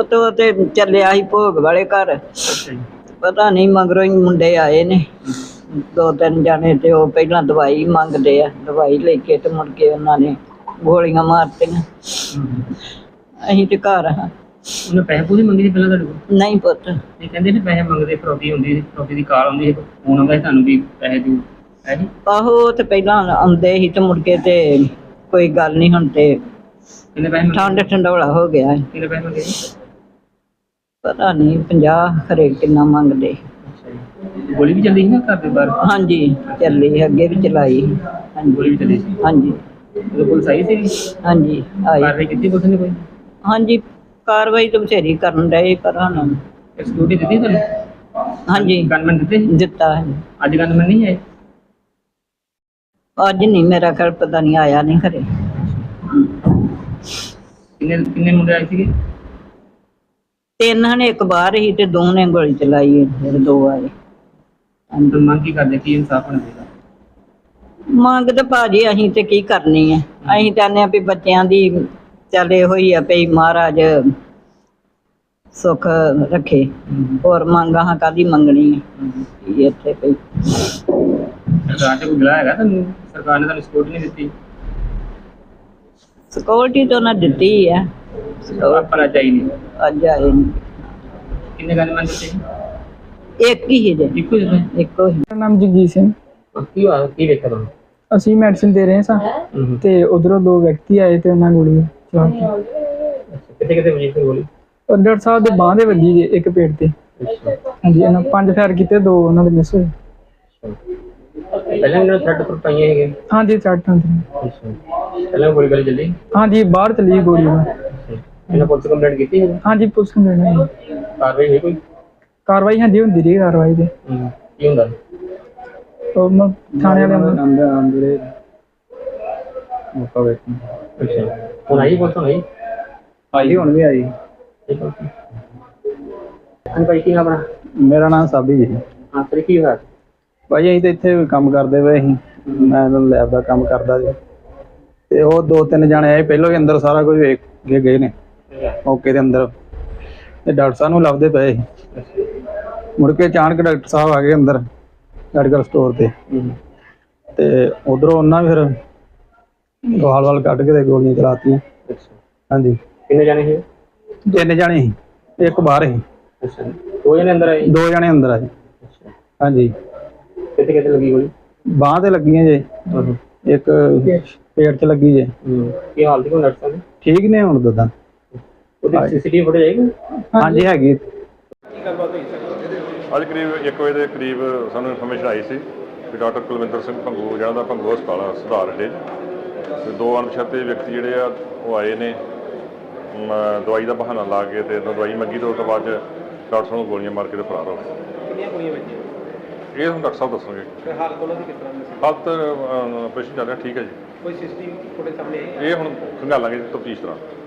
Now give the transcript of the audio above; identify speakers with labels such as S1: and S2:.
S1: ਉਹ ਤੇ ਚੱਲਿਆ ਸੀ ਭੋਗ ਵਾਲੇ ਘਰ। ਪਤਾ ਨਹੀਂ ਮਗਰੋਂ ਹੀ ਮੁੰਡੇ ਆਏ ਨੇ 2-3 ਜਾਣੇ ਤੇ ਉਹ ਪਹਿਲਾਂ ਦਵਾਈ ਮੰਗਦੇ ਆ, ਦਵਾਈ ਲੈ ਕੇ ਤੇ ਮੁੜ ਕੇ ਉਹਨਾਂ ਨੇ ਗੋਲੀਆਂ ਮਾਰਤੀਆਂ। ਅਸੀਂ ਤੇ ਘਰ ਹਾਂ।
S2: ਉਹਨੇ ਪੈਸੇ ਪੂਸੇ ਮੰਗੇ ਸੀ ਪਹਿਲਾਂ ਤੁਹਾਡੇ ਕੋਲ?
S1: ਨਹੀਂ ਪੁੱਤ।
S2: ਇਹ ਕਹਿੰਦੇ ਸੀ ਪੈਸੇ ਮੰਗਦੇ, ਫਰੋਤੀ ਹੁੰਦੀ ਸੀ, ਫਰੋਤੀ ਦੀ ਕਾਲ ਆਉਂਦੀ ਸੀ, ਫੋਨ ਆਉਂਦਾ ਸੀ ਤੁਹਾਨੂੰ ਵੀ ਪੈਸੇ ਦਿਓ, ਹੈ ਜੀ?
S1: ਆਹੋ ਉਹ ਤੇ ਪਹਿਲਾਂ ਆਉਂਦੇ ਸੀ ਤੇ ਮੁੜ ਕੇ ਤੇ ਕੋਈ ਗੱਲ ਨਹੀਂ, ਹੁਣ ਤੇ
S2: ਕਿੰਨੇ ਪੈਸੇ ਮੰਗੇ?
S1: ਠੰਡ ਠੰਡੋਲਾ ਹੋ ਗਿਆ।
S2: ਕਿੰਨੇ ਪੈਸੇ ਮੰਗੇ ਜੀ?
S1: ਪਤਾ ਨਹੀਂ 50 ਖਰੇ ਕਿੰਨਾ ਮੰਗਦੇ।
S2: ਅੱਛਾ ਜੀ। ਗੋਲੀ ਵੀ ਚੱਲੀ ਸੀ ਨਾ ਘਰ ਦੇ ਬਾਹਰ?
S1: ਹਾਂਜੀ ਚੱਲੀ, ਅੱਗੇ ਵੀ ਚਲਾਈ। ਹਾਂਜੀ
S2: ਗੋਲੀ ਵੀ ਚੱਲੀ ਸੀ?
S1: ਹਾਂਜੀ
S2: ਉਦੋਂ ਪੁਲਿਸ ਆਈ ਸੀ?
S1: ਹਾਂਜੀ ਆਈ।
S2: ਕਾਰਵਾਈ ਕੀਤੀ ਪੁਲਿਸ ਨੇ ਕੋਈ?
S1: ਹਾਂਜੀ ਕਾਰਵਾਈ ਤਾਂ ਬਥੇਰੀ ਕਰਨ ਡਏ ਪਰ ਹੁਣ
S2: ਸਿਕਿਉਰਿਟੀ ਦਿੱਤੀ ਤੁਹਾਨੂੰ?
S1: ਹਾਂਜੀ
S2: ਗਨਮੈਨ ਦਿੱਤੇ?
S1: ਦਿੱਤਾ ਹੈ।
S2: ਅੱਜ ਗਨਮੈਨ ਨਹੀਂ ਆਏ?
S1: ਅੱਜ ਨਹੀਂ, ਮੇਰਾ ਖਿਆਲ ਪਤਾ ਨਹੀਂ, ਆਇਆ ਨਹੀਂ ਖਰੇ।
S2: ਕਿੰਨੇ ਕਿੰਨੇ ਮੁੰਡੇ ਆਏ ਸੀਗੇ?
S1: 3 ਨੇ, ਇੱਕ ਬਾਹਰ ਹੀ ਤੇ 2 ਨੇ ਗੋਲੀ ਚਲਾਈ, ਫਿਰ 2 ਆਏ।
S2: ਅੰਦਰ ਮੰਗ ਕੀ ਕਰਦੇ, ਕੀ ਇਨਸਾਫ ਹੋਣਾ ਚਾਹੀਦਾ?
S1: ਮੰਗ ਤਾਂ ਭਾਜੀ ਅਸੀਂ ਤੇ ਕੀ ਕਰਨੀ ਹੈ, ਅਸੀਂ ਚਾਹੁੰਦੇ ਹਾਂ ਵੀ ਬੱਚਿਆਂ ਦੀ ਚੱਲ ਇਹੋ ਹੀ ਆ ਵੀ ਮਹਾਰਾਜ ਸੁੱਖ ਰੱਖੇ। ਹੋਰ ਮੰਗ ਅਸੀਂ ਕਾਹਦੀ ਮੰਗਣੀ ਹੈ ਇੱਥੇ ਪਈ।
S2: ਸਰਕਾਰ ਤੇ ਕੋਈ ਗਿਲਾ ਹੈਗਾ ਤੁਹਾਨੂੰ? ਸਰਕਾਰ ਨੇ ਤੁਹਾਨੂੰ ਸਪੋਰਟ ਨਹੀਂ ਦਿੱਤੀ?
S1: ਸਿਕਿਉਰਿਟੀ ਤਾਂ ਉਹਨਾਂ ਦਿੱਤੀ ਹੈ,
S2: ਪਰ ਅੱਜ ਆਈ ਨਹੀਂ।
S1: ਅੱਜ ਆਏ ਨਹੀਂ।
S2: ਕਿੰਨੇ ਗਨਮੈਨ ਦਿੱਤੇ?
S1: ਇੱਕ ਹੀ ਜੇ,
S2: ਇੱਕੋ ਹੀ?
S1: ਇੱਕੋ ਹੀ।
S3: ਮੇਰਾ ਨਾਮ ਜਗਜੀਤ ਸਿੰਘ।
S2: ਕੀ ਹੋਇਆ, ਕੀ ਵੇਖਿਆ ਤੁਹਾਨੂੰ?
S3: ਅਸੀਂ ਮੈਡੀਸਿਨ ਦੇ ਰਹੇ ਸਾਂ ਤੇ ਉਧਰੋਂ 2 ਵਿਅਕਤੀ ਆਏ ਤੇ ਉਹਨਾਂ ਗੋਲੀ ਚਲਾਤੀ।
S2: ਕਿੱਥੇ ਕਿੱਥੇ ਵਜੀ ਸੀ ਗੋਲੀ?
S3: ਉਹ ਡਾਕਟਰ ਸਾਹਿਬ ਦੇ ਬਾਂਹ ਦੇ ਵੱਜੀ ਜੇ, ਇੱਕ ਪੇਟ ਤੇ। ਹਾਂਜੀ, ਇਹਨਾਂ 5 ਫਾਇਰ ਕੀਤੇ, 2 ਉਹਨਾਂ ਦੇ ਮਿਸ ਹੋਏ।
S2: ਪਹਿਲਾਂ ਇਹਨਾਂ ਥਰਡ ਪਰ ਪਾਈਆਂ ਹੈਗੇ?
S3: ਹਾਂਜੀ ਚੱਟ ਹੁੰਦੀ।
S2: ਪਹਿਲਾਂ ਗੋਲੀ ਗਲੀ ਚੱਲੀ?
S3: ਹਾਂਜੀ ਬਾਹਰ ਚਲੀ ਗੋਲੀ।
S2: ਇਹਨਾਂ ਪੁਲਿਸ ਕੰਪਲੇਂਟ ਕੀਤੀ ਹੈ?
S3: ਹਾਂਜੀ ਪੁਲਿਸ ਕੰਪਲੇਂਟ।
S2: ਕਾਰਵਾਈ ਹੋਈ ਕੋਈ?
S3: ਕਾਰਵਾਈ ਹਾਂਜੀ ਹੁੰਦੀ ਰਹੀ ਕਾਰਵਾਈ ਤੇ।
S2: ਕੀ ਹੁੰਦਾ?
S3: ਉਹ ਥਾਣੇ ਵਾਲੇ
S2: ਅੰਦਰ ਮੌਕਾ ਵੇਖ। ਅੱਛਾ, ਹੁਣ ਆਈ ਪੁਲਿਸ? ਆਈ?
S4: ਆਈ ਹੁਣ ਵੀ ਆਈ।
S2: ਭਾਈ ਕੀ ਆਪਣਾ?
S4: ਮੇਰਾ ਨਾਮ ਸਾਬੀ ਜੀ।
S2: ਹਾਂ ਸਰ, ਕੀ ਹੋਇਆ?
S4: ਭਾਈ ਅਸੀਂ ਤਾਂ ਇੱਥੇ ਕੰਮ ਕਰਦੇ ਪਏ ਸੀ, ਮੈਂ ਲੈਬ ਦਾ ਕੰਮ ਕਰਦਾ ਜੀ, ਤੇ ਉਹ 2-3 ਜਾਣੇ ਆਏ, ਪਹਿਲਾਂ ਹੀ ਅੰਦਰ ਸਾਰਾ ਕੁਝ ਵੇਖ ਕੇ ਗਏ ਨੇ ਮੌਕੇ ਦੇ ਅੰਦਰ, ਤੇ ਡਾਕਟਰ ਸਾਹਿਬ ਨੂੰ ਲੱਭਦੇ ਪਏ ਸੀ। ਮੁੜ ਕੇ ਅਚਾਨਕ ਡਾਕਟਰ ਸਾਹਿਬ ਆ ਗਏ ਅੰਦਰ ਮੈਡੀਕਲ ਸਟੋਰ ਤੇ ਉਧਰੋਂ ਉਹਨਾਂ ਫਿਰ ਵਾਲ ਕੱਢ ਕੇ ਤੇ ਗੋਲੀਆਂ ਚਲਾਤੀਆਂ। ਹਾਂਜੀ।
S2: ਕਿੰਨੇ ਜਾਣੇ ਸੀ?
S4: 3 ਜਾਣੇ ਸੀ, ਇੱਕ ਬਾਹਰ ਸੀ।
S2: ਅੱਛਾ, 2 ਜਣੇ ਅੰਦਰ ਆਏ?
S4: 2 ਜਾਣੇ ਅੰਦਰ ਆਏ। ਹਾਂਜੀ।
S2: ਕਿੱਥੇ ਕਿੱਥੇ ਲੱਗੀ ਗੋਲੀ?
S4: ਬਾਂਹ ਤੇ ਲੱਗੀਆਂ ਜੇ, ਇੱਕ ਪੇਟ 'ਚ ਲੱਗੀ ਜੇ।
S2: ਕੀ ਹਾਲ ਸੀ ਡਾਕਟਰ ਸਾਹਿਬ?
S4: ਠੀਕ ਨੇ ਹੁਣ ਦਦਾ।
S2: ਉਹਦੀ ਸੀਸੀਟੀਵੀ ਫੁਟੇਜ ਆਏਗੀ?
S4: ਹਾਂਜੀ ਹੈਗੀ।
S5: ਅੱਜ ਕਰੀਬ 1 ਵਜੇ ਦੇ ਕਰੀਬ ਸਾਨੂੰ ਇਨਫੋਰਮੇਸ਼ਨ ਆਈ ਸੀ ਕਿ ਡਾਕਟਰ ਕੁਲਵਿੰਦਰ ਸਿੰਘ ਭੰਗੂ, ਜਿਹੜਾ ਦਾ ਭੰਗੂ ਹਸਪਤਾਲ ਆ ਸੁਧਾਰ ਅੱਡੇ, ਤੇ 2 ਅਣਪਛਾਤੇ ਵਿਅਕਤੀ ਜਿਹੜੇ ਆ ਉਹ ਆਏ ਨੇ ਦਵਾਈ ਦਾ ਬਹਾਨਾ ਲਾ ਕੇ, ਤੇ ਦਵਾਈ ਮੰਗੀ ਤੋਂ ਬਾਅਦ ਡਾਕਟਰ ਸਾਹਿਬ ਨੂੰ ਗੋਲੀਆਂ ਮਾਰ ਕੇ ਤੇ ਫਰਾਰ ਹੋ ਗਏ।
S2: ਕਿੰਨੀਆਂ ਗੋਲੀਆਂ ਵੱਜੀਆਂ?
S5: ਇਹ ਹੁਣ ਡਾਕਟਰ ਸਾਹਿਬ ਦੱਸਣਗੇ।
S2: ਹਾਲਤ ਉਹਨਾਂ ਦੀ ਕਿਸ ਤਰ੍ਹਾਂ ਦੀ ਸੀ?
S5: ਹਾਲਤ ਆਪਰੇਸ਼ਨ ਚੱਲ ਰਿਹਾ, ਠੀਕ ਹੈ ਜੀ।
S2: ਕੋਈ ਸੀਸੀਟੀਵੀ ਫੁਟੇਜ ਸਾਹਮਣੇ ਆਈ?
S5: ਇਹ ਹੁਣ ਖੰਗਾਲਾਂਗੇ ਤਫਤੀਸ਼ ਤਰ੍ਹਾਂ।